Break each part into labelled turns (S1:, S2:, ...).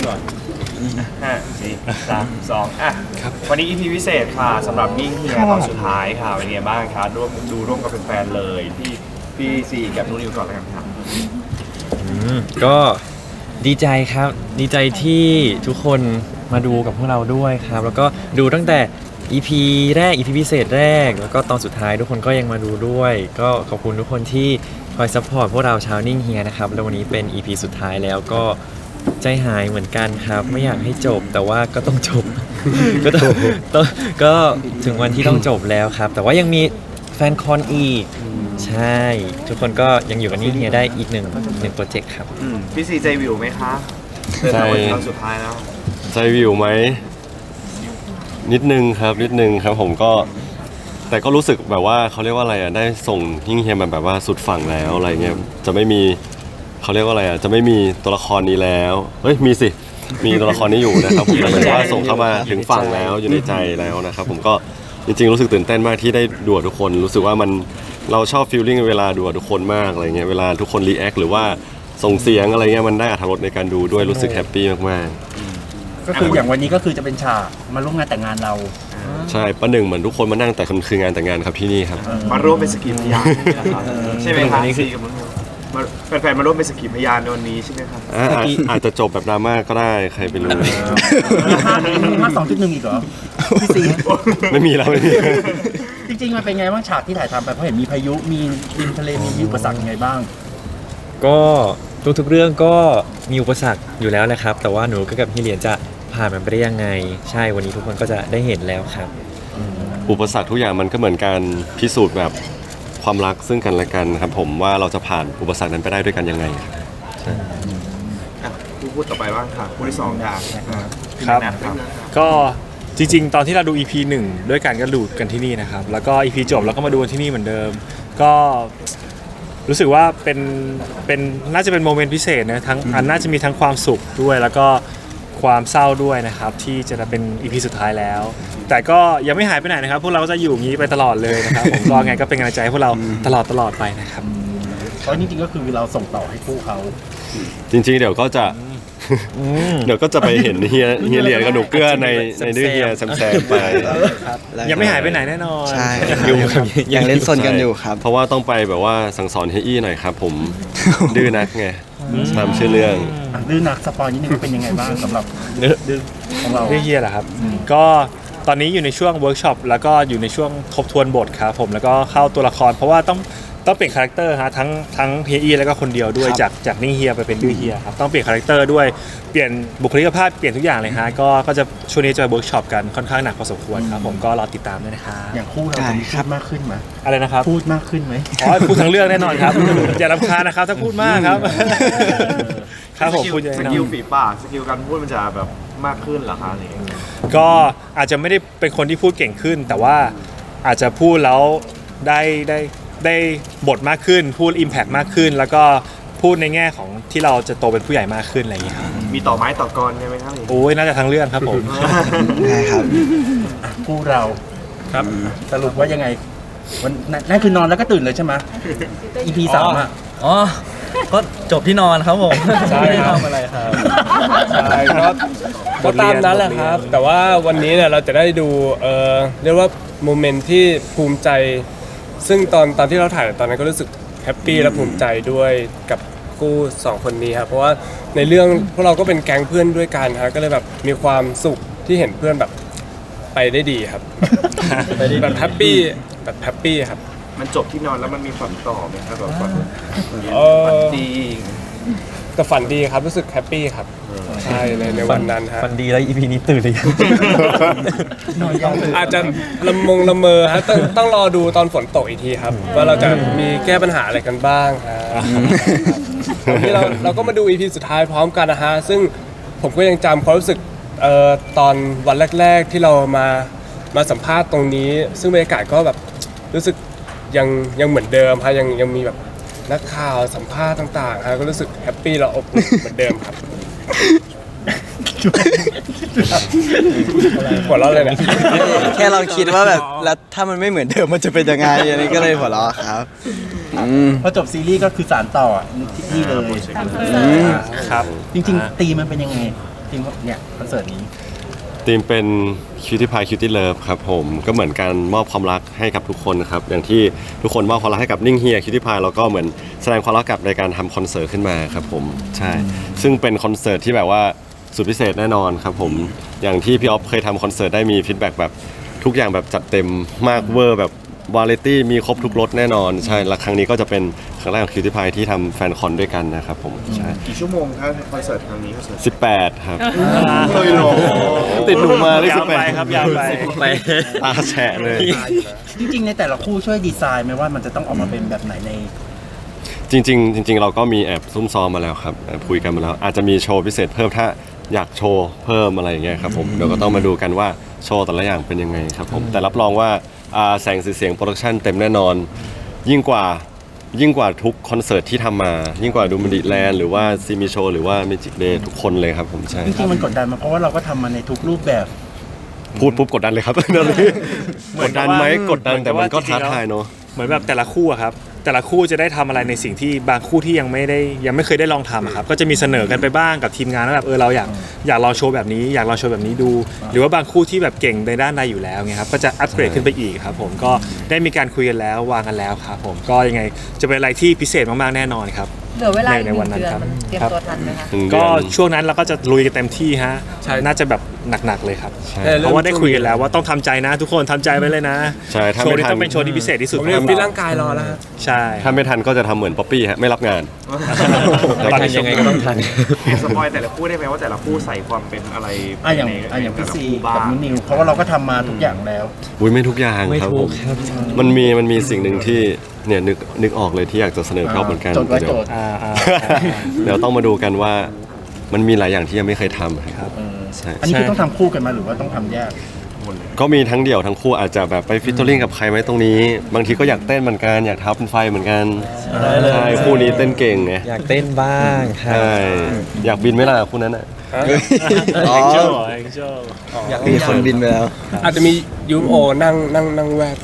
S1: ก่อน
S2: 5 4 3 2วันนี้ EP พิเศษค่ะสำหรับยิ่งเฮียตอนสุดท้ายค่ะเป็นไงบ้างคะร่วมกับแฟนๆเลยพี่ซีกับนุ้นิวก่อนแล้วกันครับ
S3: ก็ดีใจครับดีใจที่ทุกคนมาดูกับพวกเราด้วยครับแล้วก็ดูตั้งแต่ EP แรก EP พิเศษแรกแล้วก็ตอนสุดท้ายทุกคนก็ยังมาดูด้วยก็ขอบคุณทุกคนที่คอยซัพพอร์ตพวกเราชาวนิ่งเฮียนะครับแล้ววันนี้เป็น EP สุดท้ายแล้วก็ใจหายเหมือนกันครับไม่อยากให้จบแต่ว่าก็ต้องจบ ก็ถึงวันที่ต้องจบแล้วครับแต่ว่ายังมีแฟนคอนอีกใช่ทุกคนก็ยังอยู่กับนิ่งเฮียได้อีกหนึ่งโปรเจกต์ครับ
S2: พี่ซีใจวิวไหมคะเดินทางวันตอนสุดท้ายแล้ว
S4: ใจวิวไหมนิดนึงครับผมก็แต่ก็รู้สึกแบบว่าเขาเรียกว่าอะไรอ่ะได้ส่งยิ่งเฮียมาแบบว่าสุดฝั่งแล้วอะไรเงี้ยจะไม่มีเขาเรียกว่าอะไรอ่ะจะไม่มีตัวละครนี้แล้วเฮ้ยมีสิมีตัวละครนี้อยู่นะครับผมหมายถึงว่าส่งเข้ามาถึงฝั่งแล้วอยู่ในใจแล้วนะครับผมก็จริงๆรู้สึกตื่นเต้นมากที่ได้ดูทุกคนรู้สึกว่ามันเราชอบฟีลลิ่งเวลาดูทุกคนมากอะไรเงี้ยเวลาทุกคนรีแอคหรือว่าส่งเสียงอะไรเงี้ยมันได้อรรถรสในการดูด้วยรู้สึกแฮปปี้มากๆ
S1: ก็คืออย่างวันนี้ก็คือจะเป็นฉากมาร่วมงานแต่งงานเรา
S4: ใช่ประหนึ่งเหมือนทุกคนมานั่งแต่คืองานแต่งงานครับที่นี่ครับ
S2: มาร่วมเป็นสกีพยานใช่ไหมครับซีกับนุ้นิวแฟนๆมาร่วมเป็นสกีพยานในวันนี้ใช่ไหมครับ
S4: อาจจะจบแบบดราม่าก็ได้ใครไปรู้
S1: ภาค 2.1 อีกเหรอพี่ซี
S4: ไม่มีแล้วไม่มี
S1: จริงๆมันเป็นไงบ้างฉากที่ถ่ายทำไปเพราะเห็นมีพายุมีดินทะเลมีอุปสรรคยังไงบ้าง
S3: ก็ทุกๆเรื่องก็มีอุปสรรคอยู่แล้วแหละครับแต่ว่าหนูกับพี่เหรียญจะผ่านมันไปได้ยังไงใช่วันนี้ทุกคนก็จะได้เห็นแล้วครับ
S4: อุปสรรคทุกอย่างมันก็เหมือนการพิสูจน์แบบความรักซึ่งกันและกันครับผมว่าเราจะผ่านอุปสรรคนั้นไปได้ด้วยกันยังไง
S2: พูดต่อไปบ้างค่ะพูดที่2อย่าง
S5: ครับก็จริงๆตอนที่เราดู EP 1ด้วยกันก็ดูกันที่นี่นะครับแล้วก็ EP จบแล้วก็มาดูกันที่นี่เหมือนเดิมก็รู้สึกว่าเป็นน่าจะเป็นโมเมนต์พิเศษนะทั้งน่าจะมีทั้งความสุขด้วยแล้วก็ความเศร้าด้วยนะครับที่จะเป็น EP สุดท้ายแล้วแต่ก็ยังไม่หายไปไหนนะครับพวกเราก็จะอยู่อย่างนี้ไปตลอดเลยนะครับผมก็ไงก็เป็นกำลังใจให้พวกเราตลอดไปนะครับ
S1: เพราะจริงๆก็คือเราส่งต่อให้คู่เขา
S4: จริงๆเดี๋ยวก็จะไปเห็นเฮียเหรียญกับหนูเกื้อในดื้อเฮียแซมไป
S5: ยังไม่หายไปไหนแน่นอน
S6: ใช่ยังเล่นซนกันอยู่ครับ
S4: เพราะว่าต้องไปแบบว่าสั่งสอนเฮียอี้หน่อยครับผมดื้อนักไงตามชื่อเรื่อง
S1: ดื้อนักสปอยนิดนึงเป็นยังไงบ้างสำหรับดื้อของเรา
S5: ดื้อเฮียเหรอครับก็ตอนนี้อยู่ในช่วงเวิร์กช็อปแล้วก็อยู่ในช่วงทบทวนบทครับผมแล้วก็เข้าตัวละครเพราะว่าต้องเปลี่ยนคาแรคเตอร์ฮะทั้งเฮียอี้แล้วก็คนเดียวด้วยจากนิ่งเฮียไปเป็นดื้อเฮียครับต้องเปลี่ยนคาแรคเตอร์ด้วยเปลี่ยนบุคลิกภาพเปลี่ยนทุกอย่างเลยฮะก็จะช่วงนี้จะเวิร์กช็อปกันค่อนข้างหนักพอสมควรครับผมก็รอติดตามด้วยนะครับ
S1: อย่างคู่เราจะมีพูดมากขึ้นไหม
S5: อะไรนะครับ
S1: พูดมากขึ้นไหม
S5: พูดทั้งเรื่องแน่นอนครับอย่ารำคาญนะครับถ้าพูดมากครับครับผมพูด
S2: สกิลฝีปากสกิลการพูดมันจะแบบมากขึ้นเหรอคะอะไรอย่างเงี้ย
S5: ก็อาจจะไม่ได้เป็นคนที่พูดเก่งขึ้นแต่ว่าอาจจะพูดแล้วได้บทมากขึ้นพูด impact มากขึ้นแล้วก็พูดในแง่ของที่เราจะโตเป็นผู้ใหญ่มากขึ้นอะไรอย่างเงี้ยครับ
S2: มีต่อไม้ต่อกรใช่ไหมครับ
S5: โอ้ยน่าจะทั้งเรื่องครับผม
S6: ใช่ครับ
S1: คู่เรา
S5: ครับ
S1: สรุปว่ายังไงวันนั่นคือนอนแล้วก็ตื่นเลยใช่ไหม EP 3อ่ะ
S6: อ๋อก็จบที่นอนครับผม
S5: ใช่ครับ
S6: อะไรครับ
S7: ใช่ก็ตามนั้นแหละครับแต่ว่าวันนี้เนี่ยเราจะได้ดูเรียกว่าโมเมนต์ที่ภูมิใจซึ่งตอนที่เราถ่ายตอนนั้นก็รู้สึกแฮปปี้และภูมิใจด้วยกับคู่2คนนี้ครับเพราะว่าในเรื่องพวกเราก็เป็นแก๊งเพื่อนด้วยกันครับก็เลยแบบมีความสุขที่เห็นเพื่อนแบบไปได้ดีครับแบบแฮปปี้ครับ
S2: มันจบที่นอนแล้วมันมีฝันต่อไหมครับแบบฝันดี
S7: แต่ฝันดีครับรู้สึกแฮปปี้ครับใช่ในวันนั้นฮะ
S3: ฝันดีแล้ว EP นี้ตื่นเลย
S7: อาจจะละเมอฮะต้องรอดูตอนฝนตกอีกทีครับว่าเราจะมีแก้ปัญหาอะไรกันบ้างวันนี้เราก็มาดู EP สุดท้ายพร้อมกันนะฮะซึ่งผมก็ยังจำความรู้สึกตอนวันแรกๆที่เรามาสัมภาษณ์ตรงนี้ซึ่งบรรยากาศก็แบบรู้สึกยังเหมือนเดิมฮะยังมีแบบนักข่าวสัมภาษณ์ต่างๆฮะก็รู้สึกแฮปปี้และอบอุ่นเหมือนเดิมครับหัวเราะเลยเนี่ย
S6: แค่เราคิดว่าแบบแล้วถ้ามันไม่เหมือนเดิมมันจะเป็นยังไงอันนี้ก็เลยหัวเราะครับ
S1: พอจบซีรีส์ก็คือสานต่อที่เลย
S5: ครับ
S1: จริงๆตีมันเป็นยังไงทีมเนี่ยคอนเสิร์ตนี้
S4: ทีมเป็น Cutie Pie Cutie Love ครับผมก็เหมือนการมอบความรักให้กับทุกคนครับอย่างที่ทุกคนมอบความรักให้กับนิ่งเฮีย Cutie Pie แล้วก็เหมือนแสดงความรักกับในการทำคอนเสิร์ตขึ้นมาครับผมใช่ซึ่งเป็นคอนเสิร์ตที่แบบว่าสุดพิเศษแน่นอนครับผมอย่างที่พี่ออฟเคยทำคอนเสิร์ตได้มีฟีดแบ็กแบบทุกอย่างแบบจัดเต็มมากเวอร์แบบวาไรตี้มีครบทุกรสแน่นอนใช่และครั้งนี้ก็จะเป็นครั้งแรกของ Cutie Pie ที่ทำแฟนคอนด้วยกันนะครับผมใช่
S2: กี่ชั่วโมงครับคอนเสิร์ตครั้งนี้คอนเสิร์ต
S4: 18 ครับติดหนูมาได้
S5: ยาวไป
S4: 18
S5: ครับยาวไป
S3: ไป
S4: ตาแฉะเลย
S1: จริงๆในแต่ละคู่ช่วยดีไซน์ไหมว่ามันจะต้องออกมาเป็นแบบไหนใน
S4: จริงเราก็มีแอบซุ่มซ้อมมาแล้วครับแอบคุยกันมาแล้ว อาจจะมีโชว์พิเศษเพิ่มถ้าอยากโชว์เพิ่มอะไรอย่างเงี้ยครับผมเดี๋ยวก็ต้องมาดูกันว่าโชว์แต่ละอย่างเป็นยังไงครับผมแต่รับรองว่าแสงสีเสียงโปรดักชันเต็มแน่นอน ยิ่งกว่าทุกคอนเสิร์ตที่ทำมายิ่งกว่าดูมันดิแลนด์หรือว่าซีมีโชว์หรือว่าเมจิกเดย์ทุกคนเลยครับผมใช่
S1: จริงๆมันกดดันมาเพราะว่าเราก็ทำมาในทุกรูปแบบ
S4: พูดปุ๊บกดดันเลยครับ กดดันไหมกดดันแต่มันก็ท้าทายเนาะ
S5: เหมือนแบบแต่ละคู่อะครับแต่ละคู่จะได้ทำอะไรในสิ่งที่บางคู่ที่ยังไม่เคยได้ลองทำอะครับก็จะมีเสนอกันไปบ้างกับทีมงานว่าแบบเราอยากลองโชว์แบบนี้อยากลองโชว์แบบนี้ดู หรือว่าบางคู่ที่แบบเก่งในด้านใดอยู่แล้วไงครับก็จะอัปเกรดขึ้นไปอีกครับผมก็ได้มีการคุยกันแล้ววางกันแล้วครับผมก็ยังไงจะเป็นอะไรที่พิเศษมากๆแน่นอนครับ
S8: เหลือเวลาอีก
S5: ใน
S8: หนึ่
S5: วัน
S8: ง
S5: นั้น
S8: เดือน
S5: ครับ
S8: มันเตรียม
S5: ครับ
S8: ตัวทันไหมคะ
S5: ก็ช่วงนั้นเราก็จะลุยกันเต็มที่ฮะน่าจะแบบหนักๆเลยครับเพราะว่าได้คุยกันแล้วว่าต้องทำใจนะทุกคนทำใจไว้เลยนะ
S4: ใช่ถ้า
S5: โชว์
S4: ไม่
S5: นี้
S4: ทัน
S5: ต้องเป็นโชว์ที่พิเศษที่สุด
S7: ผมเรียนฟิตร่างกายรอแล้วฮะ
S5: ใช่
S4: ถ้าไม่ทันก็จะทำเหมือนป๊อปปี้ฮะไม่รับงาน
S3: ตอนนี้ยังไงก็ต้องทัน
S2: สปอยแต่ละคู่ได้ไหมว่าแต่ละคู่ใส่ความเป็นอะไร
S1: อย่างพี่ซี
S2: บ้า
S1: กับ
S2: ง
S1: นุนิวเพราะว่าเราก็ทำมาทุกอย่างแล้ว
S4: อุ้ยไม่ทุกอย่าง
S3: ไม่
S4: ครับ
S3: ถู
S4: ผ
S3: ก
S4: ม
S3: ครับ
S4: มันมีสิ่งหนึ่งที่เนี่ยนึกออกเลยที่อยากจะเสนอพี่ออฟเหมือนกัน
S1: โจทย์ไว้
S4: เดี๋ยว
S1: โจทย์
S4: เดี๋ยวต้องมาดูกันว่ามันมีหลายอย่างที่ยังไม่เคยทำครับใช่
S1: อันนี้คือต้องทำคู่กันมาหรือว่าต้องทำแยก
S4: ก็มีทั้งเดี่ยวทั้งคู่อาจจะแบบไปฟิตเตอร์ลิงกับใครไหมตรงนี้ บางทีก็อยากเต้นเหมือนกันอยากท้าเป็นไฟเหมือนกันใช่คู่นี้เต้นเก่งไง
S3: อยากเต้นบ้างครับ
S4: ใช่อยากบินไหมล่ะคู่นั้นอ่ะ
S6: อ๋อ
S5: แองเจิลแองเจิล
S6: มีคนบินไปแล้ว
S7: อาจจะมียูโอนั่งแวด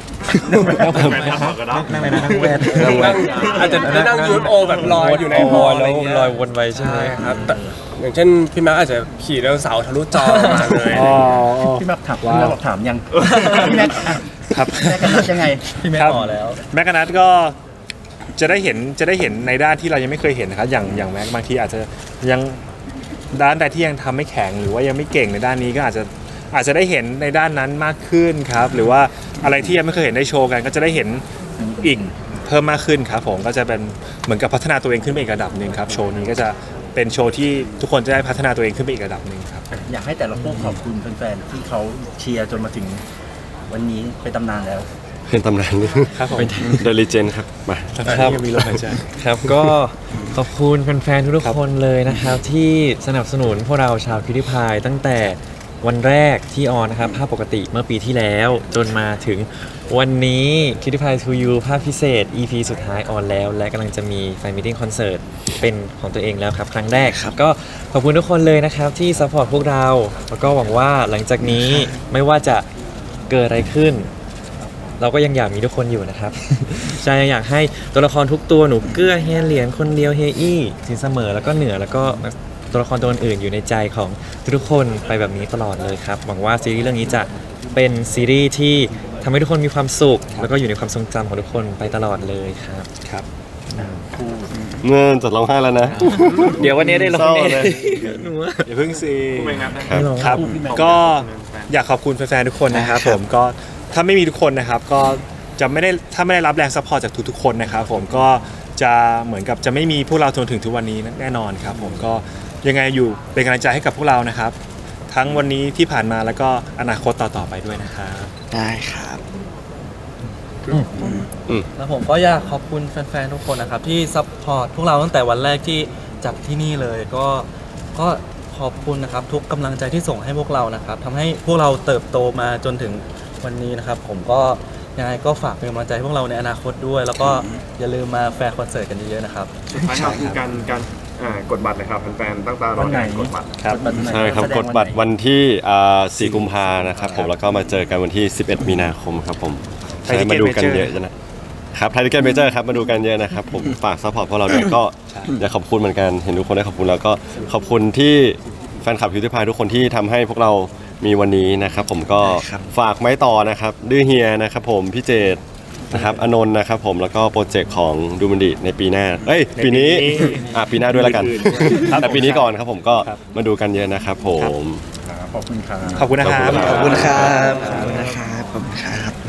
S3: นั่งในนั่งแวด
S7: นั่งอาจจะนั่งยูโอแบบลอยอยู่ในฮอลอะไรเงี้ย
S3: ลอยวนไปใช่ไหม
S7: ใช่ครับแต่อย่างเช่นพี่แม็กอาจจะขี่ไดโนเสาร์ทะลุจอมาเลย
S5: อ๋อ
S1: พี่แม็กถามพี่แม็กบอกถามยังพี่แม็กอ่ะ
S5: ครับ
S1: แม็กกันนัดยังไง
S5: ครับแม็กกานัทก็จะได้เห็นในด้านที่เรายังไม่เคยเห็นนะครับอย่างแม็กบางทีอาจจะยังด้านใดที่ยังทำไม่แข็งหรือว่ายังไม่เก่งในด้านนี้ก็อาจจะได้เห็นในด้านนั้นมากขึ้นครับหรือว่าอะไรที่ยังไม่เคยเห็นได้โชว์กัน ก็จะได้เห็นอีกเพิ่มมากขึ้นครับผมก็จะเป็นเหมือนกับพัฒนาตัวเองขึ้นไปอีกระดับหนึ่งครับโชว์นี้ก็จะเป็นโชว์ที่ทุกคนจะได้พัฒนาตัวเองขึ้นไปอีกระดับหนึ่งครับ
S1: อยากให้แต่ละคู่ขอบคุณแฟนๆที่เขาเชียร์จนมาถึงวันนี้เป็นตำนานแล้ว
S4: เป็นตำนาน
S5: ครับผม
S4: เดลิเจนครับมา
S5: ครับยังมีลมหายใจ
S3: ครับก็ขอบคุณแฟนๆทุกๆคนเลยนะครับ ที่สนับสนุนพวกเราชาวคิวริพายตั้งแต่วันแรกที่ออนนะครับภาพปกติเมื่อปีที่แล้ว จนมาถึงวันนี้คิวริพายทูยูภาพพิเศษ EP สุดท้ายออนแล้ว และกำลังจะมีแฟนมิทติ้งคอนเสิร์ตเป็นของตัวเองแล้วครับ ครั้งแรกครับก็ขอบคุณทุกคนเลยนะครับที่ซัพพอร์ตพวกเรา แล้วก็หวังว่าหลังจากนี้ไม่ว่าจะเกิดอะไรขึ้น เราก็ยังอยากมีทุกคนอยู่นะครับ ใช่ยังอยากให้ตัวละครทุกตัวหนูเกื้อเฮียเหรียญคนเดียวเฮียอี้สินเสมอแล้วก็เหนือแล้วก็ตัวละครตัวอื่นๆอยู่ในใจของทุกๆคนไปแบบนี้ตลอดเลยครับหวังว่าซีรีส์เรื่องนี้จะเป็นซีรีส์ที่ทำให้ทุกคนมีความสุข แล้วก็อยู่ในความทรงจำของทุกคนไปตลอดเลยครับ
S5: ครับ
S4: เงินจัดร้องไห้แล้วนะ
S3: เดี๋ยววันนี้ได้ลง
S4: เศร้า
S3: แน่
S4: เลย
S3: หนูว่า
S5: อย่าเพิ่งซี
S2: คู่เป็นไงนะ
S4: ครับ
S5: ครับก็อยากขอบคุณแฟนๆทุกคนนะครับผมก็ถ้าไม่มีทุกคนนะครับก็จะไม่ได้ถ้าไม่ได้รับแรงซัพพอร์ตจากทุกๆคนนะครับผมก็จะเหมือนกับจะไม่มีพวกเราจนถึงทุกวันนี้แน่นอนครับผมก็ยังไงอยู่เป็นกำลังใจให้กับพวกเรานะครับ ทั้งวันนี้ที่ผ่านมาแล้วก็อนาคตต่อๆไปด้วยนะครับ
S6: ได้ครับ
S9: แล้วผมก็อยากขอบคุณแฟนๆทุกคนนะครับที่ซัพพอร์ตพวกเราตั้งแต่วันแรกที่จัดที่นี่เลยก็ขอบคุณนะครับทุกกำลังใจที่ส่งให้พวกเรานะครับทำให้พวกเราเติบโตมาจนถึงวันนี้นะครับผมก็ยังไงก็ฝากเป็นกำลังใจให้พวกเราในอนาคตด้วย แล้วก็อย่าลืมมาแฟร์คอนเสิร์ตกันเยอะๆนะครับ
S2: สุดท้ายครับคือการกดบัตรเลยครับแฟนๆตั้งตารอการกดบัตร
S5: ครับ
S4: ใช่ครับกดบัตรวันที่4 กุมภานะครับผมแล้วก็มาเจอกันวันที่ 11 มีนาคมครับผม
S5: ไทย
S4: ใช่
S5: Ticket
S4: มาดูกัน
S5: Major
S4: เยอะนะครับไทยทิเก็ตเมเจอร์ครับมาดูกันเยอะนะครับผมฝากซัพพอร์ตพวกเราด้วยก็อยากขอบคุณเหมือนกันเห็นทุกคนได้ขอบคุณแล้วก็ขอบคุณที่แฟนคลับพิวตี้พายทุกคนที่ทำให้พวกเรามีวันนี้นะครับผมก็ฝากไม้ต่อนะครับดื้อเฮียนะครับผมพี่เจตนะครับอนนท์นะครับผมแล้วก็โปรเจกต์ของดูมันดิในปีหน้าปีนี้ปีหน้าด้วยแล้วกันแต่ปีนี้ก่อนครับผมก็มาดูกันเยอะนะครับผม
S1: ขอบคุณครับ
S5: ขอบคุณนะครับ
S6: ขอบคุณครับขอบคุณนะครับขอบคุณครับ